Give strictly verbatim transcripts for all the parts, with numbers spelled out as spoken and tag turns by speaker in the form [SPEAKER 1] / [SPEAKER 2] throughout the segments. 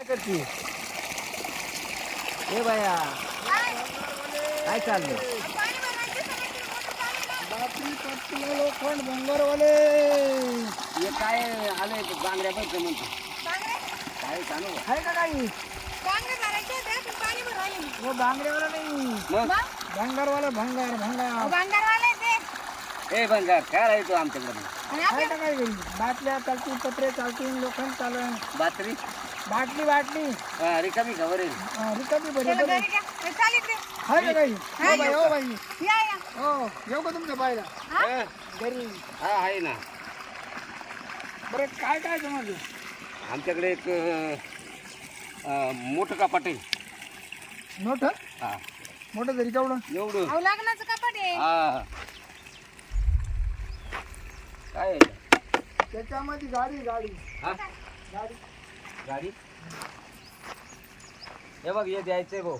[SPEAKER 1] करते ए बाया काय चाललंय?
[SPEAKER 2] बातमी पटलं लोखंड भंगारवाले
[SPEAKER 1] हे काय आलंय बांगड्या बघ म्हणतो काय सांगू
[SPEAKER 2] आहे का काही? हो बांगड्यावाला नाही,
[SPEAKER 1] मग
[SPEAKER 2] भंगारवाला भंगार भंगार
[SPEAKER 1] ए बंगार काय राहतो आमच्याकडे
[SPEAKER 2] आहे का काही? बाटल्या चालतील, पत्रे चालतील, लोखंड चालन,
[SPEAKER 1] बातरी
[SPEAKER 2] बाटली बाटली
[SPEAKER 1] हा, रिकामी खबर आहे
[SPEAKER 2] हा, रिकामी बरी बरी आहे का काही? हो बाई हो बाई हो येऊ का तुमच्या बाईला
[SPEAKER 1] हा,
[SPEAKER 2] घरी?
[SPEAKER 1] हा आहे ना.
[SPEAKER 2] बरं काय काय तुम्हाला?
[SPEAKER 1] आमच्याकडे एक अं, मोठं कपाट आहे.
[SPEAKER 2] मोठं
[SPEAKER 1] हा
[SPEAKER 2] मोठं तरी केवढं?
[SPEAKER 1] एवढं
[SPEAKER 3] लग्नाचं कपाट आहे.
[SPEAKER 1] हा काय आहे?
[SPEAKER 2] त्याच्यामध्ये गाडी गाडी
[SPEAKER 1] हा
[SPEAKER 2] गाडी
[SPEAKER 1] गाडी हे बघ हे द्यायचंय भाऊ.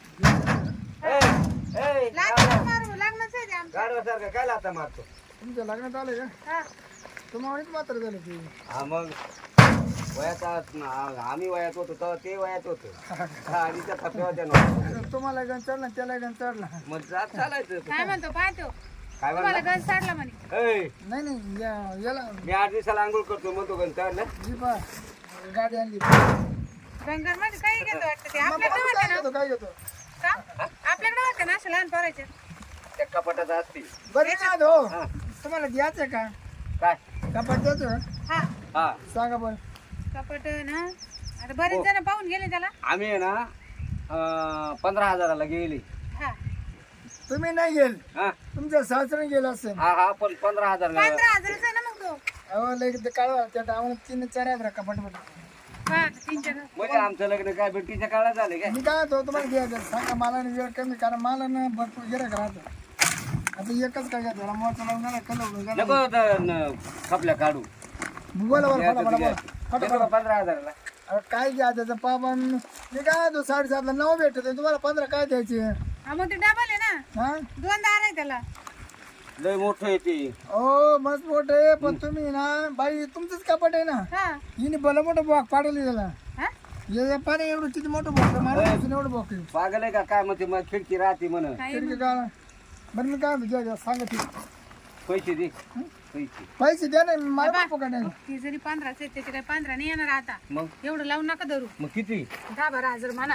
[SPEAKER 3] लग्नाचं मारू, लग्नाचं आहे ते आमचं.
[SPEAKER 1] गाडवा सारखं काय लाता मारतो?
[SPEAKER 2] तुमच्या लग्नात आले का?
[SPEAKER 3] हा.
[SPEAKER 2] तुम्हाला मात्र झालं ते
[SPEAKER 1] हा मग वयात आम्ही वयात होतो तेव्हा ते वयात होतं आणि त्या थप्प्यावर नव्हतं.
[SPEAKER 2] तुम्हाला गण चढला त्याला गण चढला.
[SPEAKER 1] मग जात चालायचं.
[SPEAKER 3] काय म्हणतो पाहतो
[SPEAKER 1] काय
[SPEAKER 3] तुम्हाला
[SPEAKER 1] म्हणला?
[SPEAKER 3] गंज साडला म्हणे.
[SPEAKER 1] ऐ,
[SPEAKER 2] नाही नाही या- याला
[SPEAKER 1] मी आठ दिवसाला आंघोळ करतो म्हणतो गण चाललं.
[SPEAKER 2] जी पा गाडी आणली.
[SPEAKER 3] गंगार मध्ये काही घेतो वाटतं ते
[SPEAKER 2] मग
[SPEAKER 3] आपल्याकडे
[SPEAKER 2] आपण
[SPEAKER 3] होते
[SPEAKER 2] काय
[SPEAKER 3] ना
[SPEAKER 2] घेतो काय घेतो?
[SPEAKER 3] का? आपल्याकडे होते ना असे लहान पोरायचे.
[SPEAKER 1] त्या कपाटात असते.
[SPEAKER 2] बरं ना हो
[SPEAKER 1] हा.
[SPEAKER 2] तुम्हाला द्यायचं का?
[SPEAKER 1] काय
[SPEAKER 2] कपाट द्यायचं का?
[SPEAKER 3] हा
[SPEAKER 1] हा
[SPEAKER 2] सांगा बरं.
[SPEAKER 3] कपाट ना आता बरेच जण पाहून गेले त्याला.
[SPEAKER 1] आम्ही आहे ना अं, पंधरा हजाराला गेली.
[SPEAKER 3] हा
[SPEAKER 2] तुम्ही नाही गेल,
[SPEAKER 1] हा
[SPEAKER 2] तुमच्या सासऱ्याने गेला असेल.
[SPEAKER 1] हा हा पण पंधरा हजारला
[SPEAKER 3] पंधरा हजाराचा आहे ना मग तो.
[SPEAKER 2] अहो लय ते काढवा त्या टावून तीन चार हजार कपाट मध्ये.
[SPEAKER 3] हा तीन चार
[SPEAKER 1] म्हणजे आमचं लग्न काय भेटीच्या काळात झाले काय?
[SPEAKER 2] मी काय होतो तुम्हाला द्यायचं सांगा. मला ना वेळ कमी कारण मला ना भरपूर गिरायक राहतं. आता एकच काय घ्या मोठं लावून झाला कलर
[SPEAKER 1] नको तर न- खपल्या काढू.
[SPEAKER 2] बोला बरं फटा फटा बोला फटा
[SPEAKER 1] देतो का
[SPEAKER 2] फटा.
[SPEAKER 1] पंधरा हजाराला?
[SPEAKER 2] अरे काय घ्या त्याचं पापा मी काय तो साडेसातला नऊ भेटत तुम्हाला पंधरा काय द्यायचे?
[SPEAKER 3] हा मग ते डबल आहे ना,
[SPEAKER 2] हा
[SPEAKER 3] दोन दार आहे त्याला.
[SPEAKER 1] लय मोठं येते.
[SPEAKER 2] हो मस्त मोठं आहे पण तुम्ही ना बाई तुमचंच कपाट आहे ना.
[SPEAKER 3] हा
[SPEAKER 2] हिने भलं मोठं बॉक पाडली त्याला.
[SPEAKER 3] हा
[SPEAKER 2] हे पाणी एवढं किती मोठं बॉक मला एवढं बॉक आहे.
[SPEAKER 1] पागल आहे का काय म्हणते मग खिडकी राहते म्हण.
[SPEAKER 3] काही
[SPEAKER 2] खिडकी का बरं मी काय म्हणतो द्या, द्या, सांगा ती
[SPEAKER 1] पैसे दे पैसे.
[SPEAKER 2] पैसे द्या नाही मला पकड नाही.
[SPEAKER 3] ती जरी पंधराच आहे त्याचे काही पंधरा नाही येणार आता.
[SPEAKER 1] मग
[SPEAKER 3] एवढं लावून नका धरू.
[SPEAKER 1] मग किती?
[SPEAKER 3] दहा बारा हजार म्हणा.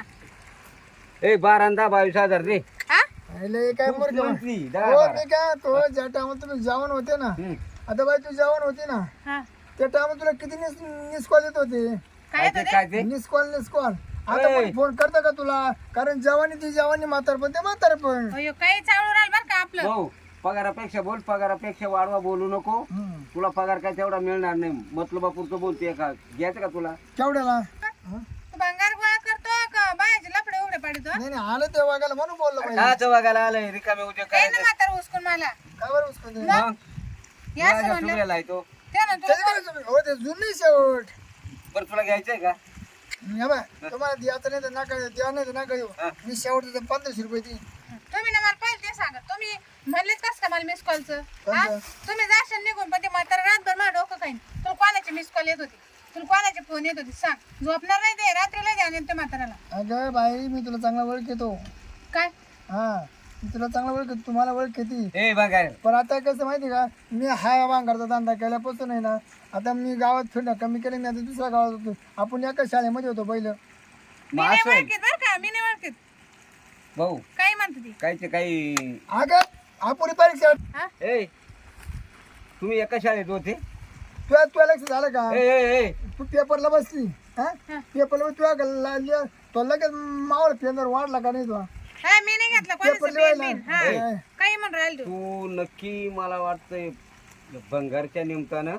[SPEAKER 1] ए बारा आणि दहा बावीस हजार दे.
[SPEAKER 3] हा
[SPEAKER 2] लय काय मोर
[SPEAKER 1] मंथली दहा
[SPEAKER 2] हो
[SPEAKER 1] बारा.
[SPEAKER 2] मी काय तो ज्या टायमाला तुम्ही जेवण होते ना
[SPEAKER 1] हम्म.
[SPEAKER 2] आता बाई तू जेवण होती ना
[SPEAKER 3] हा
[SPEAKER 2] त्या टायमाला तुला किती मिस मिस कॉल येत होते?
[SPEAKER 3] काय
[SPEAKER 1] काय ते काय ते?
[SPEAKER 2] मिस कॉल मिस कॉल आता
[SPEAKER 1] ए.
[SPEAKER 2] पण फोन करता का तुला? कारण जवानी ती जवानी म्हातार पण ते म्हातार पण.
[SPEAKER 3] अयो काही चावलं राहील बरं का आपलं.
[SPEAKER 1] भाऊ पगारापेक्षा बोल, पगारापेक्षा वाढवा बोलू नको.
[SPEAKER 2] हम्म.
[SPEAKER 1] तुला पगार काय तेवढा मिळणार नाही. मतलबापुरतं बोलते का? घ्यायचं का तुला?
[SPEAKER 2] केवढ्याला?
[SPEAKER 3] तू भंगार गोळा करतो का बायाचे लफडे उघडे पाडतो?
[SPEAKER 2] नाही नाही आलं ते वागायला म्हणून बोललो पाहिजे.
[SPEAKER 1] काच बघायला आलंय रिकामे उद्या
[SPEAKER 3] काय
[SPEAKER 1] काय
[SPEAKER 3] ना म्हातारा उचकून मला.
[SPEAKER 2] काय बरं उचकून दे?
[SPEAKER 1] मग
[SPEAKER 3] या असं म्हणलं.
[SPEAKER 1] तुला आहे तो.
[SPEAKER 3] ते ना
[SPEAKER 2] त्याचं काय तुम्ही? हो ते जुनी शेवट.
[SPEAKER 1] बरं तुला घ्यायचंय का?
[SPEAKER 2] हे बघ, तुम्हाला द्यायचं नाही तर नका द्या नाही तर नका देऊ.
[SPEAKER 1] हा.
[SPEAKER 2] मी शेवट देतो पंधराशे रुपये ती.
[SPEAKER 3] तुम्ही ना मला पहिले ते सांगा. तुम्ही म्हणलेच कस का मला मिस कॉलचं?
[SPEAKER 2] कोणतं?
[SPEAKER 3] तुम्ही जाशाल निघून पण ते म्हातारा रातभर माझं डोकं खाईन. तुला कोणाची मिस कॉल येत होती? तुला कोणाचे फोन येत होते सांग. झोपणार नाही ते रात्रीला द्या ते म्हाताराला.
[SPEAKER 2] अगं बाई मी तुला चांगला ओळख येतो.
[SPEAKER 3] काय
[SPEAKER 2] हा मी तुला चांगला ओळख तुम्हाला ओळख येते.
[SPEAKER 1] ए बघा
[SPEAKER 2] पण आता कसं माहिती का मी हा वांगरचा धंदा केल्यापासून आहे ना आता मी गावात फिरणं कमी केलं. मी आता दुसऱ्या गावात होतो. आपण एका शाळेमध्ये होतो पहिलं.
[SPEAKER 3] मी नाही ओळखीत बरं का, मी नाही ओळखीत.
[SPEAKER 1] भाऊ
[SPEAKER 3] काय म्हणते ती?
[SPEAKER 1] कायचे काही.
[SPEAKER 2] अगं आपण परीक्षा
[SPEAKER 3] हा
[SPEAKER 1] ए तुम्ही एका शाळेत होते?
[SPEAKER 2] तुझ्या तुझ्या लक्ष झालं का?
[SPEAKER 1] ए ए ए
[SPEAKER 2] तू पेपरला बसली हा
[SPEAKER 3] हा.
[SPEAKER 2] पेपरला तुझ्या तो लगेच मावळ पेंदर वाढला का नाही तुला?
[SPEAKER 3] हा मी नाही घेतला
[SPEAKER 2] पेपर
[SPEAKER 3] कोणाचं पेन
[SPEAKER 2] लिवायला.
[SPEAKER 3] बिन. हा
[SPEAKER 2] ए.
[SPEAKER 3] काही म्हणून राहील तू.
[SPEAKER 1] तू नक्की मला वाटतंय भंगारच्या निमित्तानं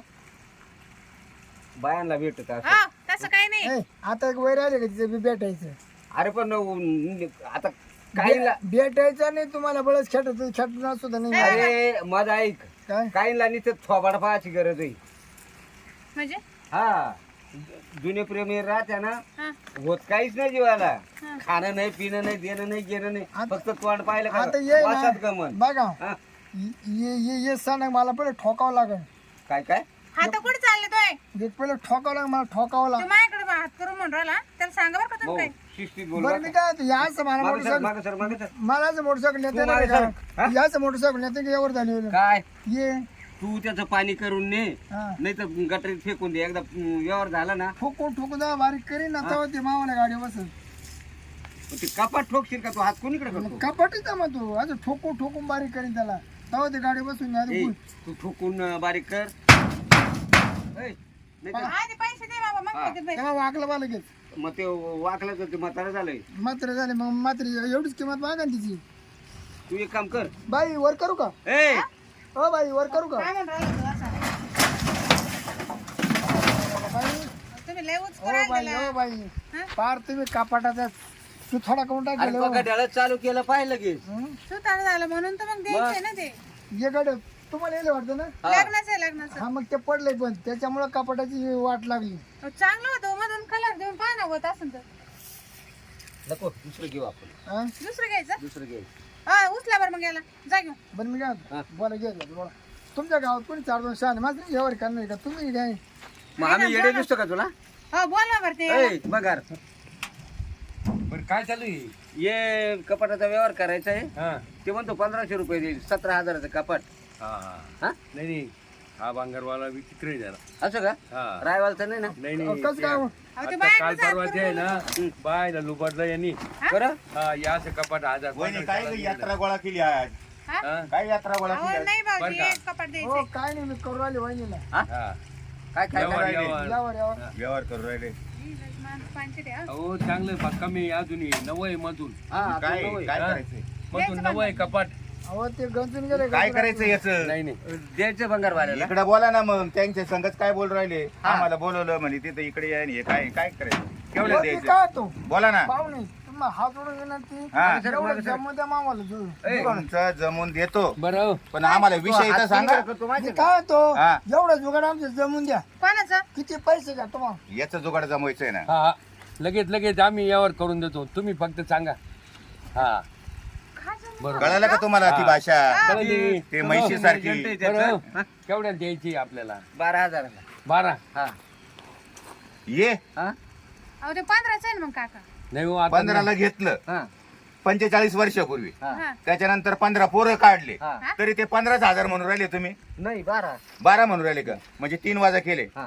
[SPEAKER 1] बायांना भेटत असं.
[SPEAKER 3] हा तसं काही नाही.
[SPEAKER 2] ए, आता एक वैर आले का तिथे बी भेटायचं?
[SPEAKER 1] अरे पण न- आता काहीला
[SPEAKER 2] भेटायचं नाही तुम्हाला बळच खेटत खेटणार सुद्धा नाही.
[SPEAKER 1] अरे माझा ऐक
[SPEAKER 2] काय
[SPEAKER 1] काहीला नुसतं थोबाड पाहायची गरज आहे.
[SPEAKER 3] म्हणजे
[SPEAKER 1] हा जुने प्रेमी राहत्या ना
[SPEAKER 3] हा
[SPEAKER 1] होत काहीच नाही जीवाला.
[SPEAKER 3] हा.
[SPEAKER 1] खाणं नाही पिणं नाही देणं नाही घेणं नाही
[SPEAKER 2] आता-
[SPEAKER 1] फक्त तोंड पाहिलं
[SPEAKER 2] आता
[SPEAKER 1] का
[SPEAKER 2] ये
[SPEAKER 1] वासात
[SPEAKER 2] ना
[SPEAKER 1] गमन.
[SPEAKER 2] बघा
[SPEAKER 1] हा,
[SPEAKER 2] ये ये ये सण मला पहिले ठोकावं लागेल.
[SPEAKER 1] काय काय
[SPEAKER 3] हात कुठे चालले तोय
[SPEAKER 2] देख पहिले ठोकावं लागलं मला ठोकावं
[SPEAKER 3] तू
[SPEAKER 2] लागलं
[SPEAKER 3] माझ्याकडे हात करून म्हणून राहिला त्याला सांगा बरं का तुम्ही
[SPEAKER 1] भाऊ
[SPEAKER 3] काय
[SPEAKER 1] शिस्तीत बोल
[SPEAKER 2] बरं मी काय म्हणतो, याच मला
[SPEAKER 1] मागे सर
[SPEAKER 2] मोटरसायकल
[SPEAKER 1] मागे सर मागे सर
[SPEAKER 2] मला असं मोटरसायकल नेते
[SPEAKER 1] तू
[SPEAKER 2] ना
[SPEAKER 1] मागे
[SPEAKER 2] का?
[SPEAKER 1] सर. हा?
[SPEAKER 2] याच मोटरसायकल नेते की एवढं झाली होईल.
[SPEAKER 1] काय
[SPEAKER 2] ये
[SPEAKER 1] तू त्याचं पाणी करून ने
[SPEAKER 2] हा.
[SPEAKER 1] नाही तर गटरीत फेकून दे एकदा अं, व्यवहार झाला ना
[SPEAKER 2] ठोकून ठोकून जा बारीक करीन ना तेव्हा ते मावाला गाडी बसत
[SPEAKER 1] मग ते कपाट ठोकशील का तू हात कोणीकडे करतो
[SPEAKER 2] कपाटीच मग तू असं ठोकून ठोकून बारीक करीन त्याला तेव्हा ते गाडी बसून
[SPEAKER 1] ए,
[SPEAKER 2] घ्या.
[SPEAKER 1] तू ठोकून अं, बारीक कर ए, नाही तर
[SPEAKER 3] आधी पैसे दे बाबा मग
[SPEAKER 1] हा.
[SPEAKER 3] देते पैसे.
[SPEAKER 2] तेव्हा वाकलं बा लगेच
[SPEAKER 1] मग ते वाकलं तर ते म्हातारा झालंय
[SPEAKER 2] मात्र झाले मग मात्र एवढीच किंमत मागा ना तिची.
[SPEAKER 1] तू एक काम कर
[SPEAKER 2] बाई वर करू का
[SPEAKER 1] ए
[SPEAKER 2] हो बाई वर करू का
[SPEAKER 3] काय म्हणून राहिला तू असं?
[SPEAKER 2] बाई
[SPEAKER 3] तुम्ही लय उच
[SPEAKER 2] हो
[SPEAKER 3] करायला
[SPEAKER 2] बाई
[SPEAKER 3] गेला.
[SPEAKER 2] हो बाई
[SPEAKER 3] हा?
[SPEAKER 2] पार तुम्ही कापाटाचा तू थोडा करून
[SPEAKER 1] अरे
[SPEAKER 2] टाकेल
[SPEAKER 1] बघा ढाळत चालू केलं पाहिलं की
[SPEAKER 3] सुतार झालं म्हणून तर मग द्यायचंय ना ते
[SPEAKER 2] ये गाडी तुम्हाला येईल वाटतं ना
[SPEAKER 1] हा.
[SPEAKER 3] लग्नाचं आहे लग्नाचं
[SPEAKER 2] हा मग ते पडले पण त्याच्यामुळे कपाटाची वाट लागली
[SPEAKER 3] अहो, चांगलं होतं मधून कलर देऊन पाहा ना होत असं तर
[SPEAKER 1] नको दुसरं घेऊ आपण
[SPEAKER 2] हा
[SPEAKER 3] दुसरं घ्यायचं
[SPEAKER 1] दुसरं घेऊ
[SPEAKER 3] हा उचला बरं मग याला जा घेऊन
[SPEAKER 2] बरं मी काय
[SPEAKER 1] हा.
[SPEAKER 2] म्हणतो, बोला घे बोला तुमच्या गावात कोणी चार दोन शहाणे मात्र एवढे करणार का तुम्ही काय
[SPEAKER 1] मग आम्ही येडे दिसतो का तुला
[SPEAKER 3] हो बोला बरं ते याला.
[SPEAKER 1] ए बघार
[SPEAKER 4] बरं काय चालू आहे
[SPEAKER 1] ये कपाटाचा व्यवहार करायचा आहे
[SPEAKER 4] हा
[SPEAKER 1] ते म्हणतो पंधराशे रुपये देईल सतरा हजाराचं कपाट
[SPEAKER 4] हा हा
[SPEAKER 1] हा
[SPEAKER 4] नाही नाही हा भांगरवाला विचित्र आहे जरा
[SPEAKER 1] असं का
[SPEAKER 4] हा
[SPEAKER 1] रायवालचं नाही ना
[SPEAKER 4] नाही
[SPEAKER 2] कसं
[SPEAKER 4] नाही
[SPEAKER 2] काय हो?
[SPEAKER 3] अहो, ते
[SPEAKER 4] आता
[SPEAKER 3] बाहेर
[SPEAKER 4] काल
[SPEAKER 3] जात
[SPEAKER 4] परवाचे आहे ना बायला लुबाडलं यांनी
[SPEAKER 1] बरं
[SPEAKER 4] हा या असं कपाट हजार
[SPEAKER 5] वहिनी काय ग यात्रा गोळा केली आज
[SPEAKER 3] हा?
[SPEAKER 4] हा
[SPEAKER 5] काय यात्रा गोळा
[SPEAKER 3] अहो
[SPEAKER 5] केली आज?
[SPEAKER 3] नाही
[SPEAKER 4] बरं
[SPEAKER 3] भाऊजी
[SPEAKER 4] का?
[SPEAKER 3] एक कपाट
[SPEAKER 2] हो
[SPEAKER 3] द्यायचंय
[SPEAKER 2] काय नाही मी करू राहिले वहिनीला
[SPEAKER 4] हा
[SPEAKER 1] काय काय
[SPEAKER 4] व्यवहार,
[SPEAKER 1] करायचं?
[SPEAKER 4] व्यवहार.
[SPEAKER 2] यावर यावर
[SPEAKER 5] व्यवहार करू राहिले
[SPEAKER 3] पाचशे द्या
[SPEAKER 4] अहो चांगलं बा कमी अजूनही नवय मधून
[SPEAKER 1] हा आता
[SPEAKER 5] काय
[SPEAKER 1] नवं आहे.
[SPEAKER 5] काय
[SPEAKER 4] हा?
[SPEAKER 5] करायचंय
[SPEAKER 4] मधून नवय कपाट
[SPEAKER 2] अहो ते गंजून गेले
[SPEAKER 5] काय करायचं याच
[SPEAKER 4] नाही नाही
[SPEAKER 1] द्यायचं भंगार वाल्याला
[SPEAKER 5] इकडे बोला ना मग त्यांच्या संगत काय बोल राहिले आम्हाला बोलवलं म्हणे तिथं इकडे या आणि हे काय काय करायचं केवढं द्यायचं
[SPEAKER 2] काय तो
[SPEAKER 5] बोला ना
[SPEAKER 2] पाहुणे तुम्हाला हात जोडून येणार ती
[SPEAKER 5] हा
[SPEAKER 2] एवढं जमू द्या मामाला जोडून.
[SPEAKER 1] ए,
[SPEAKER 5] तुमचं जमून देतो
[SPEAKER 4] बरं
[SPEAKER 5] पण आम्हाला विषय
[SPEAKER 1] हात
[SPEAKER 5] तर सांगा
[SPEAKER 1] कोणीकडे करतो माहिती
[SPEAKER 2] मी
[SPEAKER 1] आहे का?
[SPEAKER 2] काय तो
[SPEAKER 5] हा.
[SPEAKER 2] एवढं जुगाड आमचं जमून द्या
[SPEAKER 3] कोणाचं
[SPEAKER 2] किती पैसे घ्या तुम्हाला
[SPEAKER 5] याचं जुगाड जमवायचंय ना
[SPEAKER 4] हा हा लगेच लगेच आम्ही यावर करून देतो तुम्ही फक्त सांगा हा
[SPEAKER 3] काय झालं?
[SPEAKER 4] बरोबर
[SPEAKER 5] कळालं का तुम्हाला ती भाषा
[SPEAKER 4] कळली.
[SPEAKER 5] ते म्हैशीसारखी
[SPEAKER 1] एजंट आहे त्याचं.
[SPEAKER 4] बरं केवढ्यात द्यायची आपल्याला
[SPEAKER 1] बारा हजाराला
[SPEAKER 4] बारा
[SPEAKER 1] हा
[SPEAKER 5] ये
[SPEAKER 1] हा
[SPEAKER 3] अहो ते पंधराचं आहे ना मग काका
[SPEAKER 4] नाही हो आता
[SPEAKER 5] पंधराला घेतलं
[SPEAKER 1] हा
[SPEAKER 5] पंचेचाळीस वर्षापूर्वी
[SPEAKER 1] हा
[SPEAKER 3] हा
[SPEAKER 5] त्याच्यानंतर पंधरा पोरं काढले
[SPEAKER 1] हा
[SPEAKER 5] तरी ते पंधराच हजार म्हणून राहिले तुम्ही
[SPEAKER 1] नाही बारा
[SPEAKER 5] बारा म्हणून राहिले का म्हणजे तीन वाजा केले
[SPEAKER 1] हा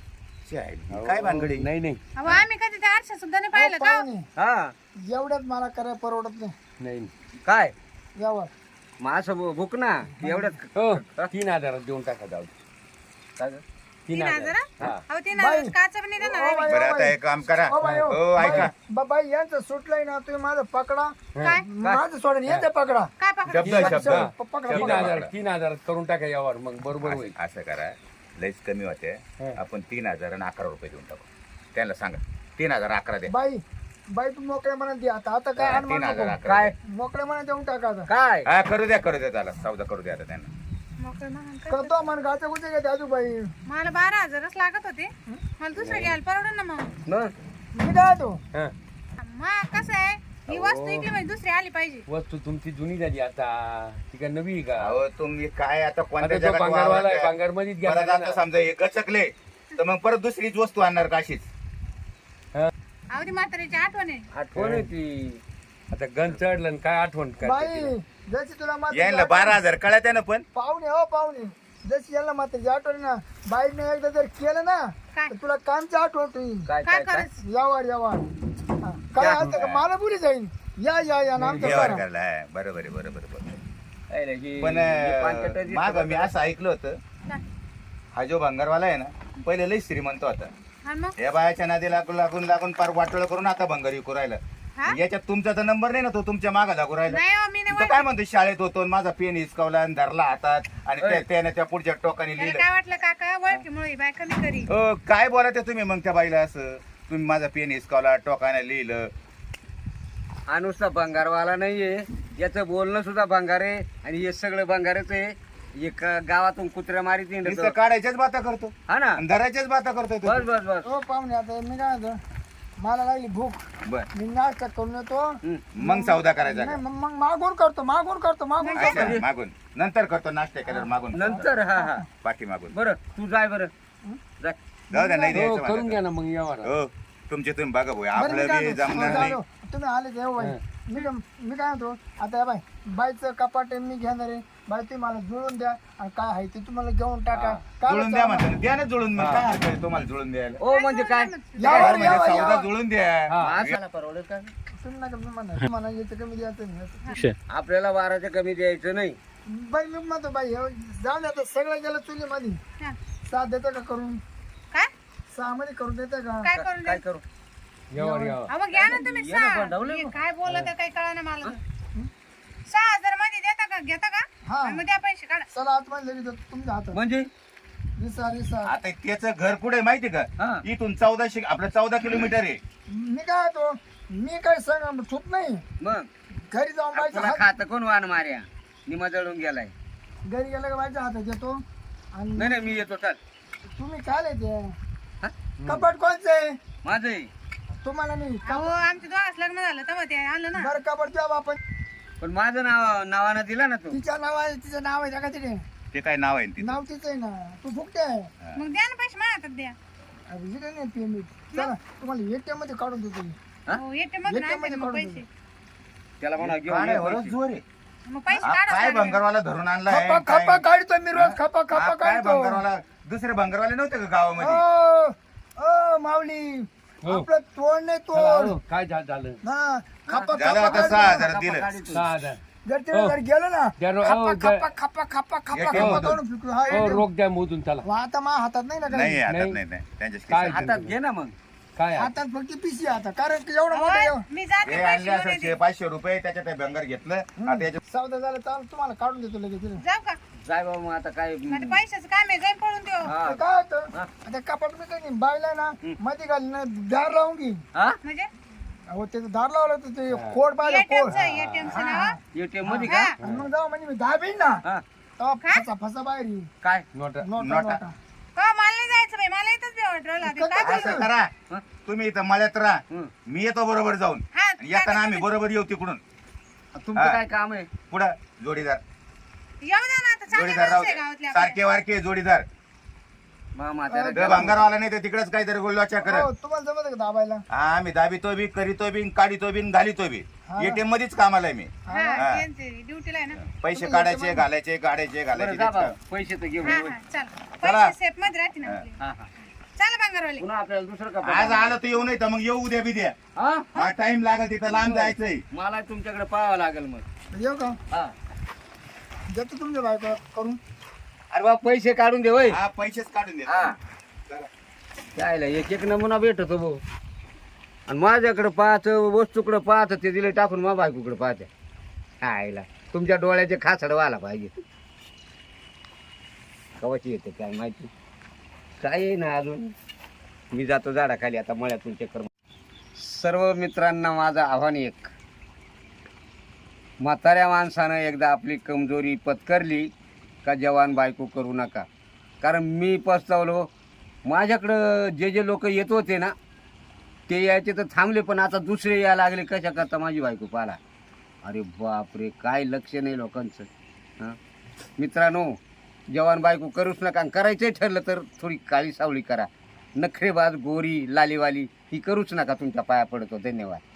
[SPEAKER 5] काय भानगडी
[SPEAKER 4] नाही नाही
[SPEAKER 3] अहो आम्ही कधी त्या आरशा सुद्धा नाही पाहिलं का
[SPEAKER 2] पाहुणे
[SPEAKER 1] हा
[SPEAKER 2] एवढ्यात मला करायला परवडत नाही
[SPEAKER 4] नाही
[SPEAKER 1] काय
[SPEAKER 2] यावर
[SPEAKER 1] मग असं भु- भुक ना एवढ्यात
[SPEAKER 4] हो तीन हजारात देऊन टाका जाऊ
[SPEAKER 1] काय ग?
[SPEAKER 3] तीन हजार
[SPEAKER 4] हा
[SPEAKER 3] अहो तीन हजार काचा पण नाही देणार
[SPEAKER 2] ओ
[SPEAKER 3] आम्ही.
[SPEAKER 2] बाई,
[SPEAKER 5] बरं
[SPEAKER 2] ओ
[SPEAKER 5] आता
[SPEAKER 2] बाई.
[SPEAKER 5] एक काम करा
[SPEAKER 2] ओ बाई, ओ.
[SPEAKER 5] हो ऐका
[SPEAKER 2] बाई, बा- बाई यांचं सुटलंय ना तुम्ही माझं पकडा
[SPEAKER 3] काय
[SPEAKER 2] माझं सोडून यांचं पकडा
[SPEAKER 3] काय पकडा
[SPEAKER 5] शब्द शब्द
[SPEAKER 2] प- पकडा
[SPEAKER 4] तीन
[SPEAKER 2] पकडा.
[SPEAKER 4] हजार तीन हजारात करून टाका यावर मग बरोबर होईल
[SPEAKER 5] असं असं करा लयच कमी होते
[SPEAKER 4] हा.
[SPEAKER 5] आपण तीन हजार आणि अकरा रुपये देऊन टाकू त्यांना सांगा तीन हजार अकरा द्या
[SPEAKER 2] बाई बाई तू मोकळ्या म्हणत दे आता आता काय
[SPEAKER 5] हा,
[SPEAKER 2] अनुमान
[SPEAKER 5] तीन हजार
[SPEAKER 2] नको.
[SPEAKER 5] अकरा
[SPEAKER 1] काय
[SPEAKER 5] द्या.
[SPEAKER 2] मोकळ्या म्हणत देऊन टाका आता
[SPEAKER 1] काय
[SPEAKER 5] हा करू द्या करू द्या त्याला सौदा करू द्या आता त्यांना
[SPEAKER 3] मोकळं महान कर.
[SPEAKER 2] करतो मन गाचा कुठे घेते आजू बाई
[SPEAKER 3] मला बारा हजारच लागत होते मला दुसरं घ्यायला परवडन ना मग
[SPEAKER 1] मग
[SPEAKER 2] मी काय तो
[SPEAKER 4] हा.
[SPEAKER 3] मग कसं आहे ही वस्तू इकली म्हणजे दुसरी आली पाहिजे
[SPEAKER 4] वस्तू तुमची जुनी झाली आता ती काय नवी आहे का
[SPEAKER 5] अहो तुम्ही काय आता कोणत्या
[SPEAKER 4] आता तो
[SPEAKER 5] जगात
[SPEAKER 4] भांगारवाला आहे
[SPEAKER 5] वावरताय?
[SPEAKER 4] भांगार मध्येच
[SPEAKER 5] परत
[SPEAKER 4] गेला
[SPEAKER 5] आता समजा हे गचकले तर मग परत दुसरीच वस्तू आणणार का अशीच
[SPEAKER 3] अहो ती म्हातारीची आठवण आहे
[SPEAKER 1] आठवण येते
[SPEAKER 4] आता गण चढलं आणि काय आठवण करते
[SPEAKER 2] बाई
[SPEAKER 4] तिला?
[SPEAKER 2] जशी तुला मात्र
[SPEAKER 5] यायला बारा हजार कळत ना पण
[SPEAKER 2] पाहुणे हो पाहुणे जशी यांना मात्र आठवण ना बाईने एकदा जर केलं ना
[SPEAKER 3] काय
[SPEAKER 2] तर तुला कामची आठवण होईल
[SPEAKER 1] काय
[SPEAKER 3] काय
[SPEAKER 1] काय काय
[SPEAKER 3] करायचं
[SPEAKER 2] यावर यावर हा, काय असतं का मला बोली जाईल या या या नाम
[SPEAKER 5] व्यवहार करायला हा, बरोबर आहे बरोबर आहे, बरोबर आहे.
[SPEAKER 1] काय रे, ही-
[SPEAKER 5] पण
[SPEAKER 1] ही पानकटं जी-
[SPEAKER 5] माग मी असं ऐकलं होतं
[SPEAKER 3] काय?
[SPEAKER 5] हा जो भंगारवाला आहे ना पहिले लई श्रीमंत होता
[SPEAKER 3] आणि मग
[SPEAKER 5] या बायाच्या नादी लागून लागून लागून पार वाटोळ करून आता भंगार विकू राहिला
[SPEAKER 3] हा?
[SPEAKER 5] याच्यात तुमचा तर नंबर नाही ना तो तुमच्या मागा लागू राहिला
[SPEAKER 3] नाही हो मी नाही
[SPEAKER 5] तो
[SPEAKER 3] ओळखत.
[SPEAKER 5] काय म्हणतो शाळेत होतो आणि माझा पेन हिसकावला आणि धरला हातात आणि त्या- त्याने त्या पुढच्या टोकाने
[SPEAKER 3] त्याला
[SPEAKER 5] लिहिलं
[SPEAKER 3] काय वाटलं काका ओळखीमुळे ही बाय कमी करी
[SPEAKER 5] अ, काय बोलायचं तुम्ही मग त्या बाईला असं तुम्ही माझा पेन हिसकावला टोकाने लिहिलं
[SPEAKER 1] हा नुसता भंगारवाला नाहीये याचं बोलणं सुद्धा भंगार आहे आणि हे सगळं भंगारच आहे एक गावातून कुत्र्या मारीत
[SPEAKER 5] नुसतं
[SPEAKER 1] हिंडतो.
[SPEAKER 5] काढायच्याच बाता करतो
[SPEAKER 1] हा ना
[SPEAKER 5] आणि धरायच्याच बाता करतोय तो.
[SPEAKER 1] बस बस बस
[SPEAKER 2] हो पाहुणे आता मी काय म्हणतो मला लागली भूक
[SPEAKER 5] बर
[SPEAKER 2] मी नाश्ता करून येतो
[SPEAKER 1] हम्म.
[SPEAKER 5] मग सौदा करायचा
[SPEAKER 2] नाही
[SPEAKER 5] का?
[SPEAKER 2] मग मग मागून करतो मागून करतो मागून
[SPEAKER 5] अच्छा, मागून नंतर करतो नाश्ता केल्यावर मागून
[SPEAKER 1] नंतर हा हा
[SPEAKER 5] पाठी मागून
[SPEAKER 1] बरं तू जाय बरं जा.
[SPEAKER 5] जाऊ द्या नाही
[SPEAKER 4] हो
[SPEAKER 5] द्यायचं
[SPEAKER 4] करून
[SPEAKER 5] मला.
[SPEAKER 4] घ्या ना मग व्यवहार
[SPEAKER 5] हो तुमचे तुम्ही बघा भाऊ
[SPEAKER 2] बरं, मी
[SPEAKER 5] आपलं
[SPEAKER 2] काय
[SPEAKER 5] बी
[SPEAKER 2] म्हणतो,
[SPEAKER 5] जमणार
[SPEAKER 2] हो,
[SPEAKER 5] नाही
[SPEAKER 2] झालं. तुम्ही आले ते बाई मी काय मी काय म्हणतो आता या बाई बाईचं कपाट आहे, मी घेणार आहे बाई तुम्ही मला जुळून द्या आणि काय आहे ते तुम्हाला घेऊन टाका काय
[SPEAKER 5] जुळून द्या म्हणतात द्या ना जुळून मग काय हरकत आहे तुम्हाला जुळून द्यायला
[SPEAKER 1] ओ म्हणजे काय
[SPEAKER 2] यावर
[SPEAKER 5] म्हणजे
[SPEAKER 2] यावर
[SPEAKER 5] सौदा
[SPEAKER 2] यावर.
[SPEAKER 5] जुळून द्या
[SPEAKER 1] माणसाला परवडेल का
[SPEAKER 2] तुम्ही नका मी म्हणा तुम्हाला याचं कमी द्यायचं नाही
[SPEAKER 1] आपल्याला बाराच्या कमी द्यायचं नाही.
[SPEAKER 2] बाई मी म्हणतो बाई हे जाऊन द्या आता सगळं गेलं चुलीमध्ये
[SPEAKER 3] हा.
[SPEAKER 2] साथ देतं का करून
[SPEAKER 3] काय
[SPEAKER 2] सहा मध्ये करून देतं का
[SPEAKER 3] काय करून
[SPEAKER 1] काय
[SPEAKER 3] द्या
[SPEAKER 1] करू
[SPEAKER 4] व्यवहार व्यवहार
[SPEAKER 3] अहो, मग घ्या ना तुम्ही
[SPEAKER 1] ये ना
[SPEAKER 3] सहा.
[SPEAKER 1] बंडवलं
[SPEAKER 3] हे
[SPEAKER 1] मग.
[SPEAKER 3] काय बोलत आहे, काही कळा ना मला तर. सहा हजार मध्ये देता का घेता का
[SPEAKER 2] हा.
[SPEAKER 3] आणि मग द्या पैसे काढा
[SPEAKER 2] चला आतमध्ये लगेच देतो तुमच्या हातात
[SPEAKER 1] म्हणजे
[SPEAKER 2] रिसा रिसा
[SPEAKER 5] आता त्याचं घर कुठे माहिती का
[SPEAKER 1] हा.
[SPEAKER 5] इथून चौदाशे आपलं चौदा किलोमीटर आहे
[SPEAKER 2] मी काय तो मी काय सांग ठूत नाही
[SPEAKER 1] मग
[SPEAKER 2] घरी जाऊन बाईच्या
[SPEAKER 1] तुला
[SPEAKER 2] हात
[SPEAKER 1] खात कोण वान मार्या निमा जळून गेलाय.
[SPEAKER 2] घरी गेलं का बाईच्या हातात देतो आणि
[SPEAKER 1] नाही नाही मी येतो चल.
[SPEAKER 2] तुम्ही काय ते
[SPEAKER 1] हा?
[SPEAKER 2] कपाट कोणचं आहे
[SPEAKER 1] माझं आहे.
[SPEAKER 2] तुम्हाला नाही
[SPEAKER 3] अहो आमच्या दोघांच लग्न झालं तेव्हा ते आलं ना
[SPEAKER 2] बरं कपाट तेव्हा आपण
[SPEAKER 1] पण माझं नाव नावानं दिला ना तू.
[SPEAKER 2] तिच्या नाव आहे तिचं नाव आहे का तिथे
[SPEAKER 5] ते काय नाव आहे तिथं
[SPEAKER 2] नाव तिचं आहे ना तू फुकते आहे
[SPEAKER 3] मग द्या ना पैसे माझ्या हातात द्या
[SPEAKER 2] अरे इकडे नाही पेमेंट चला तुम्हाला एटीएम मध्ये काढून देतो मी
[SPEAKER 1] हा?
[SPEAKER 3] हो एटीएम मधून
[SPEAKER 2] ATM
[SPEAKER 3] आणते
[SPEAKER 2] मध्ये
[SPEAKER 3] ना मग
[SPEAKER 2] काढून
[SPEAKER 3] पैसे
[SPEAKER 1] त्याला म्हणा घेऊन
[SPEAKER 5] काय
[SPEAKER 1] ये
[SPEAKER 5] वरच
[SPEAKER 1] पैसे.
[SPEAKER 5] जोर आहे
[SPEAKER 3] मग पैसे
[SPEAKER 5] हा,
[SPEAKER 3] काढा
[SPEAKER 5] काय
[SPEAKER 3] साडे.
[SPEAKER 5] भंगारवाला धरून आणलाय
[SPEAKER 2] खपा
[SPEAKER 5] काय-
[SPEAKER 2] खपा काढतो मी रोज खपा खपा
[SPEAKER 5] हा, काय
[SPEAKER 2] काढतो
[SPEAKER 5] भंगारवाला दुसरे भंगारवाले नव्हते का गावामध्ये
[SPEAKER 2] ओ ओ माऊली
[SPEAKER 4] हो.
[SPEAKER 2] आपलं तोड नाही
[SPEAKER 4] चला,
[SPEAKER 2] तोड
[SPEAKER 4] हो, काय झा- झालं
[SPEAKER 2] हा खपा
[SPEAKER 5] झालं
[SPEAKER 2] खपा
[SPEAKER 5] आता सहा
[SPEAKER 2] काढतो.
[SPEAKER 5] हजार दिलं
[SPEAKER 1] काढतो.
[SPEAKER 4] सहा हजार
[SPEAKER 2] जर तिने जर गेलो ना
[SPEAKER 4] द्या रो-
[SPEAKER 2] खपा
[SPEAKER 4] हो,
[SPEAKER 2] खपा
[SPEAKER 4] द्या.
[SPEAKER 2] खपा खपा खपा
[SPEAKER 5] ATM
[SPEAKER 2] खपा
[SPEAKER 5] मधून.
[SPEAKER 2] काढून फेकू. हा,
[SPEAKER 4] हो
[SPEAKER 2] ATM.
[SPEAKER 4] रोख द्या मोजून चला
[SPEAKER 2] वा, आता मा हातात नाही ना
[SPEAKER 5] नाही
[SPEAKER 2] काही
[SPEAKER 5] हातात
[SPEAKER 4] नाही.
[SPEAKER 5] नाही नाही त्यांच्या
[SPEAKER 4] काय
[SPEAKER 1] हातात घे ना मग.
[SPEAKER 4] काय आहे?
[SPEAKER 2] हातात फक्त पिशी आता कारण की एवढं
[SPEAKER 3] अहो,
[SPEAKER 2] मोठं एवढं-
[SPEAKER 3] मी जाते
[SPEAKER 5] हे
[SPEAKER 3] पैसे
[SPEAKER 5] आणले
[SPEAKER 3] घेऊन
[SPEAKER 5] असं
[SPEAKER 3] येते.
[SPEAKER 5] शे- पाचशे रुपये त्याच्यात ते भंगार घेतलं आता याच्यात
[SPEAKER 2] सौदा झाला तर तुम्हाला काढून देतो लगेच तिला.
[SPEAKER 3] जाऊ का
[SPEAKER 1] जाय बाबा मग आता काय
[SPEAKER 3] आता पैशाचं काम आहे जाईन पळून देऊ
[SPEAKER 1] हा.
[SPEAKER 2] तर काय होतं
[SPEAKER 1] हा.
[SPEAKER 2] आता कपाट मी काही नाही बायला ना मध्ये घाली ना दार लावून घे
[SPEAKER 1] हा
[SPEAKER 3] म्हणजे
[SPEAKER 2] अहो त्याचं दार लावलं तर ते कोड पाहिजे कोड
[SPEAKER 3] एटीएमचं एटीएमचं नाव
[SPEAKER 1] एटीएम मध्ये का
[SPEAKER 3] हा.
[SPEAKER 2] आणि मग जाऊ म्हणजे मी दहा बिन ना
[SPEAKER 1] हा
[SPEAKER 2] तेव्हा फसा फसा बाहेर येईल.
[SPEAKER 1] काय
[SPEAKER 4] नोटा
[SPEAKER 2] नोटा
[SPEAKER 5] नोटा.
[SPEAKER 2] नोटा
[SPEAKER 3] हो मला नाही जायचं बाई मला इथंच भेट राहिला ते काय
[SPEAKER 2] कसं-
[SPEAKER 5] असं
[SPEAKER 3] बोलू?
[SPEAKER 5] करा
[SPEAKER 1] हा?
[SPEAKER 5] तुम्ही इथं मळ्यात राहा
[SPEAKER 1] हं.
[SPEAKER 5] मी येतो बरोबर जाऊन
[SPEAKER 3] हा,
[SPEAKER 5] येताना आम्ही बरोबर येऊ तिकडून
[SPEAKER 1] तुमचं
[SPEAKER 5] हा.
[SPEAKER 1] काय काम आहे
[SPEAKER 5] पुढं जोडीदार
[SPEAKER 3] येऊ द्या ना आता चांगले
[SPEAKER 5] जोडीदार राहू
[SPEAKER 3] माणसं आहे
[SPEAKER 5] दे.
[SPEAKER 3] गावातले आपल्या.
[SPEAKER 5] सारखे वारखे जोडीदार
[SPEAKER 1] मामा
[SPEAKER 5] ते
[SPEAKER 1] त्याला
[SPEAKER 5] भंगारवाला नाही तर तिकडेच काहीतरी गोल्लाच्या
[SPEAKER 2] हो
[SPEAKER 5] करत
[SPEAKER 2] तुम्हाला जमत का दाबायला
[SPEAKER 5] हा आम्ही दाबितो बी करीतो बी काढितो बी घालितो बी
[SPEAKER 2] हा.
[SPEAKER 5] एटीएम मध्येच कामाला आहे मी
[SPEAKER 3] हा
[SPEAKER 5] हा.
[SPEAKER 3] त्यांचे ड्युटीला आहे ना
[SPEAKER 5] पैसे काढायचे घालायचे काढायचे
[SPEAKER 1] बरं
[SPEAKER 5] घालायचे
[SPEAKER 1] जा
[SPEAKER 5] तेच
[SPEAKER 1] बाबा,
[SPEAKER 5] काम.
[SPEAKER 1] पैसे तर घेऊन
[SPEAKER 3] हा
[SPEAKER 1] ये.
[SPEAKER 3] हा चल
[SPEAKER 5] चला.
[SPEAKER 3] पैसे सेफ मध्ये राहते ना आपले.
[SPEAKER 1] हा हा
[SPEAKER 3] चला बंगारवाले
[SPEAKER 1] पुन्हा आपल्याला दुसरं का
[SPEAKER 5] आज आलं तर येऊ नाही तर मग येऊ उद्या बी द्या
[SPEAKER 1] हा
[SPEAKER 5] हा टाइम लागेल तिथं लांब जायचंय
[SPEAKER 1] मला तुमच्याकडे पाहावं लागेल मग
[SPEAKER 2] येऊ का
[SPEAKER 1] हा
[SPEAKER 2] देतो तुमच्या बायको करून
[SPEAKER 1] अरे बाबा पैसे काढून दे वय
[SPEAKER 5] हा पैसेच काढून द्या
[SPEAKER 1] हा यायला एक एक नमुना भेटतो भाऊ आणि माझ्याकडे पाहत वस्तूकडे पाहत ते दिले टाकून मा बायकोकडे पाहते आयला तुमच्या डोळ्याचे खासड व्हायला पाहिजे कवाची येते काय माहिती काय आहे ना अजून मी जातो झाडाखाली आता मळ्यातून चक्कर मार- सर्व मित्रांना माझं आव्हान एक म्हाताऱ्या माणसानं एकदा आपली कमजोरी पत्करली का जवान बायको करू नका कारण मी पस्तावलो माझ्याकडं जे जे लोक येत होते ना ते यायचे तर थांबले पण आता दुसरे यायला लागले कशा करता माझी बायको पाला अरे बापरे काय लक्ष नाही लोकांचं हां मित्रांनो जवान बायको करूच नका आणि करायचंही ठरलं तर थोडी काळी सावळी करा नखरेबाज गोरी लालीवाली ही करूच नका तुमच्या पाया पडतो धन्यवाद